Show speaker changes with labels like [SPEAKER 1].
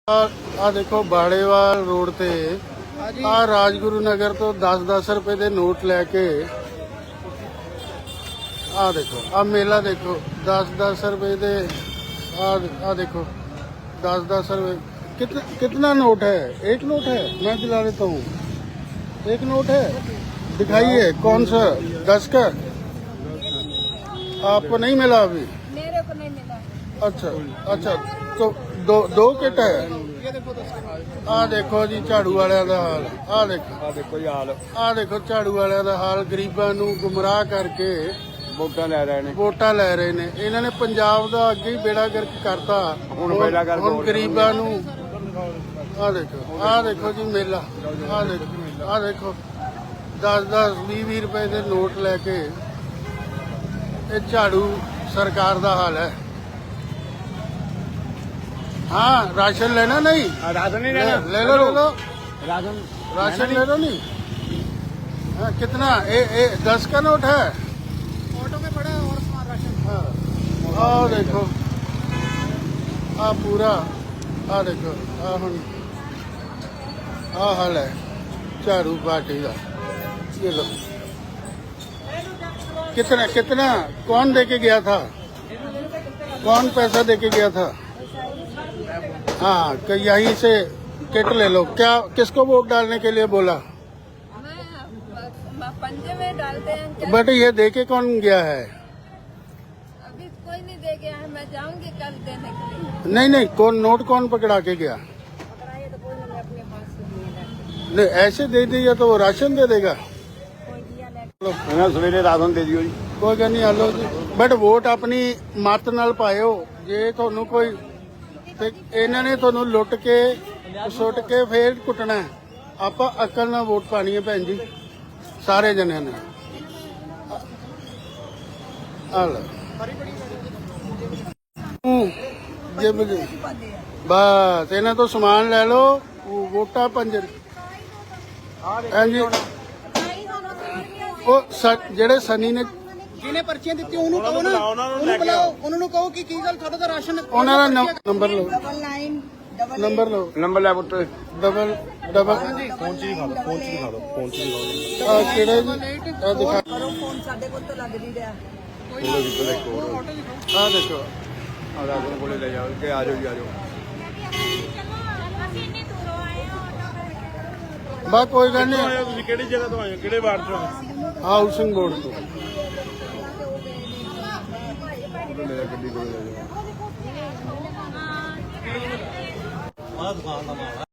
[SPEAKER 1] ਆ ਦੇਖੋ ਬਾੜੇਵਾਲ ਰੋਡ ਤੇ ਆ ਰਾਜਗੁਰੂ ਨਗਰ ਤੋਂ 10-10 ਰੁਪਏ ਦੇ ਨੋਟ ਲੈ ਕੇ ਆ ਦੇਖੋ ਆ ਮੇਲਾ देखो 10-10 रुपए दे आ देखो 10-10 रुपए कितना नोट है। एक नोट है, मैं दिला देता हूँ। एक नोट है, दिखाइए कौन सा। 10 का आपको नहीं मिला अभी?
[SPEAKER 2] मेरे को नहीं मिला।
[SPEAKER 1] अच्छा अच्छा, तो दो किट है। आ देखो जी झाड़ू वालियां दा हाल। आ देखो जी हाल। आ देखो झाड़ू वालियां दा हाल, गरीबां नूं गुमराह करके वोटां ले रहे ने। इन्हां ने पंजाब दा अगे ही बेड़ा गर्क करता। हुण गरीबां नूं आ देखो जी मेला। आ देखो 10-10 20-20 रुपए दे नोट लैके ये झाड़ू सरकार दा हाल है। हाँ, राशन लेना नहीं?
[SPEAKER 3] राशन नहीं लेना,
[SPEAKER 1] ले लो
[SPEAKER 3] राशन
[SPEAKER 1] ले लो नहीं। हाँ, कितना 10 का नोट है।
[SPEAKER 3] ऑटो में पड़ा और सामान राशन।
[SPEAKER 1] हाँ, आ देखो आ पूरा आ देखो आ हुन आ हाल है झाड़ू पार्टी का। ये लो कितना कौन देके गया था? कौन पैसा देके गया था? हाँ, तो यहीं से किट ले लो। क्या किसको वोट डालने के लिए बोला?
[SPEAKER 2] मैं पंजे में डालते हैं।
[SPEAKER 1] बट ये देके कौन गया है?
[SPEAKER 2] अभी कोई नहीं दे गया है, मैं जाऊंगी कल देने के लिए।
[SPEAKER 1] नहीं कौन नोट कौन पकड़ा के गया?
[SPEAKER 2] पकड़ाइए तो कोई नहीं, अपने पास से दिए
[SPEAKER 1] नहीं, ऐसे दे दिया तो वो राशन दे देगा।
[SPEAKER 2] कोई दिया ले।
[SPEAKER 3] सवेरे राशन दे दियो जी।
[SPEAKER 1] कोई गल नहीं, आलो जी। बट वोट अपनी मत नाल पायो। जे ਤੁਹਾਨੂੰ ਕੋਈ ਤੇ ਇਹਨਾਂ ਨੇ ਤੁਹਾਨੂੰ ਲੁੱਟ ਕੇ ਸੁੱਟ ਕੇ ਫੇਰ ਕੁੱਟਣਾ ਹੈ। ਆਪਾਂ ਅਕਲ ਨਾਲ ਵੋਟ ਪਾਣੀ ਹੈ ਭੈਣ ਜੀ, ਸਾਰੇ ਜਣਿਆਂ ਨੇ। ਆ ਲੈ ਜੇ ਬਸ ਇਹਨਾਂ ਤੋਂ ਸਮਾਨ ਲੈ ਲਓ। ਵੋਟਾਂ ਪੰਜਰ ਹਾਂਜੀ ਉਹ ਜਿਹੜੇ ਸਨੀ ਨੇ
[SPEAKER 3] ਜਿਹਨੇ ਪਰਚੀਆਂ ਦਿੱਤੀਆਂ ਉਹਨੂੰ ਕਹੋ ਨਾ, ਉਹਨੂੰ ਬੁਲਾਓ, ਉਹਨਾਂ ਨੂੰ ਕਹੋ ਕਿ ਕੀ ਗੱਲ ਤੁਹਾਡਾ ਤਾਂ ਰਾਸ਼ਨ।
[SPEAKER 1] ਉਹਨਾਂ ਦਾ ਨੰਬਰ ਲਓ।
[SPEAKER 2] 99
[SPEAKER 1] ਨੰਬਰ ਲਓ।
[SPEAKER 3] ਨੰਬਰ ਲੈ ਪੁੱਤ।
[SPEAKER 1] ਡਬਲ
[SPEAKER 3] ਫੋਨ ਚ ਦਿਖਾ ਦਿਓ।
[SPEAKER 1] ਆ ਕਿਹੜਾ ਜੀ? ਆ ਦਿਖਾ।
[SPEAKER 2] ਕਰੋ ਫੋਨ, ਸਾਡੇ ਕੋਲ ਤਾਂ ਲੱਗ ਨਹੀਂ ਰਿਹਾ।
[SPEAKER 1] ਆ ਦੇਖੋ
[SPEAKER 3] ਆ ਰਾਸ਼ਨ ਕੋਲੇ ਲੈ ਜਾਓ ਕਿ ਆ ਜਾਓ ਜੀ, ਆ ਜਾਓ।
[SPEAKER 1] ਬਸ ਕੋਈ ਗੱਲ ਨਹੀਂ।
[SPEAKER 3] ਤੁਸੀਂ ਕਿਹੜੀ ਜਗ੍ਹਾ ਤੋਂ ਆਏ ਹੋ, ਕਿਹੜੇ ਵਾਰਡ ਤੋਂ?
[SPEAKER 1] ਹਾਊਸਿੰਗ ਬੋਰਡ ਤੋਂ।
[SPEAKER 3] ਗੱਡੀ ਕੋਲੇ ਲੈ ਜਾਓ।